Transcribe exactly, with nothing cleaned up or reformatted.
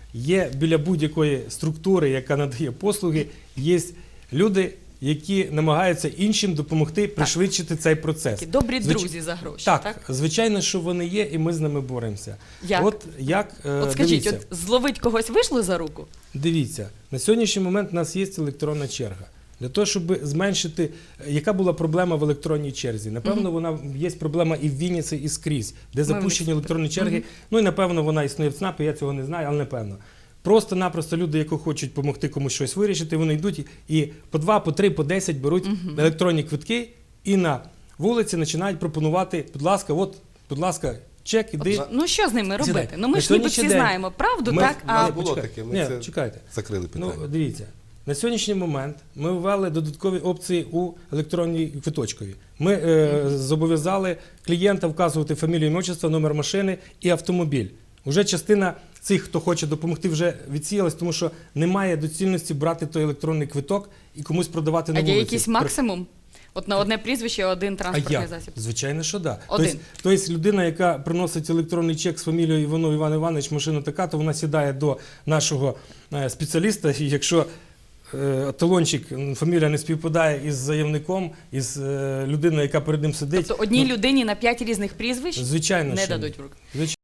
є біля будь-якої структури, яка надає послуги, є люди, які намагаються іншим допомогти пришвидшити цей процес. Такі добрі Звич... друзі за гроші, так, так? звичайно, що вони є, і ми з ними боремося. Як? От, як, е, От скажіть, дивіться, от зловить когось вийшло за руку? дивіться, на сьогоднішній момент у нас є електронна черга. Для того, щоб зменшити, яка була проблема в електронній черзі? Напевно, вона є проблема і в Вінниці, і скрізь, де запущені електронні черги. Ну і напевно вона існує в ЦНАПі, я цього не знаю, але напевно. Просто-напросто люди, які хочуть допомогти комусь щось вирішити, вони йдуть і по два, по три, по десять беруть електронні квитки і на вулиці починають пропонувати, будь ласка, от, будь ласка, чек, іди. От, ну що з ними робити? Сідай. Ну ми На ж ніби сьогоднішній всі день знаємо правду, ми- так? А Не було почекай. таке, ми Ні, це чекайте. закрили питання. Ну, дивіться, на сьогоднішній момент ми ввели додаткові опції у електронній квиточкові. Ми е, зобов'язали клієнта вказувати фамілію, ім'я, отчество, номер машини і автомобіль. Уже частина цих, хто хоче допомогти, вже відсіялась, тому що немає доцільності брати той електронний квиток і комусь продавати а на є вулиці. якийсь максимум? От на одне прізвище один А транспортний як? засіб. Звичайно, що так. Да. Один. Тобто, тобто людина, яка приносить електронний чек з фамілією Іванов Іван Іванович, машина така, то вона сідає до нашого е, спеціаліста, і якщо е, талончик, фамілія не співпадає із заявником, із е, людиною, яка перед ним сидить, Тобто одній ну, людині на п'ять різних прізвищ звичайно, не що ні. дадуть в руки. Звичайно.